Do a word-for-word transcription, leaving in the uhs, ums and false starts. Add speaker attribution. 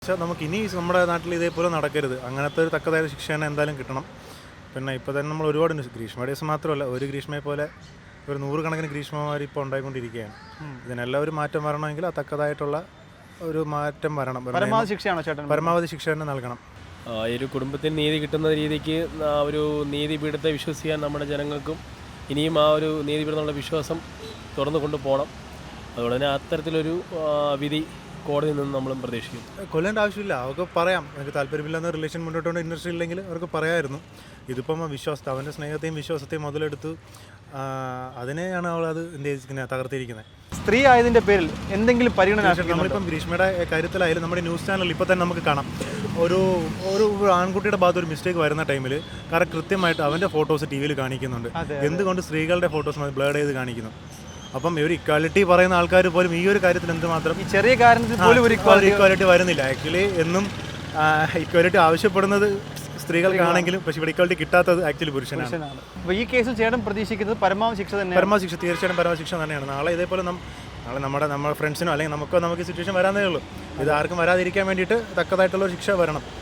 Speaker 1: പക്ഷേ നമുക്ക് ഇനി നമ്മുടെ നാട്ടിൽ ഇതേപോലെ നടക്കരുത്. അങ്ങനത്തെ ഒരു തക്കതായ ശിക്ഷ തന്നെ എന്തായാലും കിട്ടണം. പിന്നെ ഇപ്പോൾ തന്നെ നമ്മൾ ഒരുപാട് ഗ്രീഷ്മ ഡേയ്സ് മാത്രമല്ല, ഒരു ഗ്രീഷ്മയെ പോലെ ഒരു നൂറുകണക്കിന് ഗ്രീഷ്മമാർ ഇപ്പോൾ ഉണ്ടായിക്കൊണ്ടിരിക്കുകയാണ്. ഇതിനെല്ലാം ഒരു മാറ്റം വരണമെങ്കിൽ ആ തക്കതായിട്ടുള്ള ഒരു മാറ്റം വരണം.
Speaker 2: പരമാവധി ശിക്ഷയാണോ ചേട്ടൻ?
Speaker 1: പരമാവധി ശിക്ഷ തന്നെ നൽകണം.
Speaker 3: ഈ ഒരു കുടുംബത്തിന് നീതി കിട്ടുന്ന രീതിക്ക് ആ ഒരു നീതിപീഠത്തെ വിശ്വസിക്കാൻ നമ്മുടെ ജനങ്ങൾക്കും ഇനിയും ആ ഒരു നീതിപീഠത്തിനുള്ള വിശ്വാസം തുറന്നു കൊണ്ടുപോകണം. അതുകൊണ്ട് തന്നെ അത്തരത്തിലൊരു വിധി കോടതിയിൽ നിന്ന് നമ്മളും പ്രതീക്ഷിക്കും.
Speaker 1: കൊല്ലേണ്ട ആവശ്യമില്ല, അവർക്ക് പറയാം. എനിക്ക് താല്പര്യമില്ലെന്ന റിലേഷൻ മുന്നോട്ടുകൊണ്ട് ഇൻട്രസ്റ്റ് ഇല്ലെങ്കിൽ അവർക്ക് പറയാമായിരുന്നു. ഇതിപ്പം വിശ്വാസത്തെ, അവൻ്റെ സ്നേഹത്തെയും വിശ്വാസത്തെയും മുതലെടുത്ത് അതിനെയാണ് അവൾ അത് എന്ത് തകർത്തിരിക്കുന്നത്.
Speaker 2: സ്ത്രീ ആയതിൻ്റെ പേരിൽ എന്തെങ്കിലും പരിഗണന
Speaker 1: നമ്മളിപ്പം ഗ്രീഷ്മയുടെ കാര്യത്തിലായാലും നമ്മുടെ ന്യൂസ് ചാനലിൽ ഇപ്പോൾ തന്നെ നമുക്ക് കാണാം, ഒരു ഒരു ആൺകുട്ടിയുടെ ഭാഗത്ത് ഒരു മിസ്റ്റേക്ക് വരുന്ന ടൈമിൽ കാരണം കൃത്യമായിട്ട് അവൻ്റെ ഫോട്ടോസ് ടി വിയിൽ കാണിക്കുന്നുണ്ട്. എന്തുകൊണ്ട് സ്ത്രീകളുടെ ഫോട്ടോസ് ബ്ലർ ചെയ്ത് കാണിക്കുന്നു? അപ്പം ഒരു ഇക്വാലിറ്റി പറയുന്ന ആൾക്കാർ പോലും ഈ ഒരു കാര്യത്തിൽ എന്തുമാത്രം
Speaker 2: ഈ ചെറിയ കാര്യത്തിൽ പോലും ഒരു
Speaker 1: ഇക്വാലിറ്റി വരുന്നില്ല. ആക്ച്വലി എന്നും ഇക്വാലിറ്റി ആവശ്യപ്പെടുന്നത് സ്ത്രീകൾക്കാണെങ്കിലും പക്ഷേ ഇവിടെ ഇക്വാലിറ്റി കിട്ടാത്തത് ആക്ച്വലി പുരുഷനാണ്.
Speaker 2: അപ്പോൾ ഈ കേസിൽ ചേട്ടൻ പ്രതീക്ഷിക്കുന്നത് പരമാവധി ശിക്ഷ തന്നെ?
Speaker 1: പരമാവധി ശിക്ഷ, തീർച്ചയായിട്ടും പരമാവധി ശിക്ഷ തന്നെയാണ്. നാളെ ഇതേപോലെ നാളെ നമ്മുടെ നമ്മുടെ ഫ്രണ്ട്സിനോ അല്ലെങ്കിൽ നമുക്കോ നമുക്ക് സിറ്റുവേഷൻ വരാനേ ഉള്ളൂ. ഇത് ആർക്കും വരാതിരിക്കാൻ വേണ്ടിയിട്ട് തക്കതായിട്ടുള്ള ശിക്ഷ വരണം.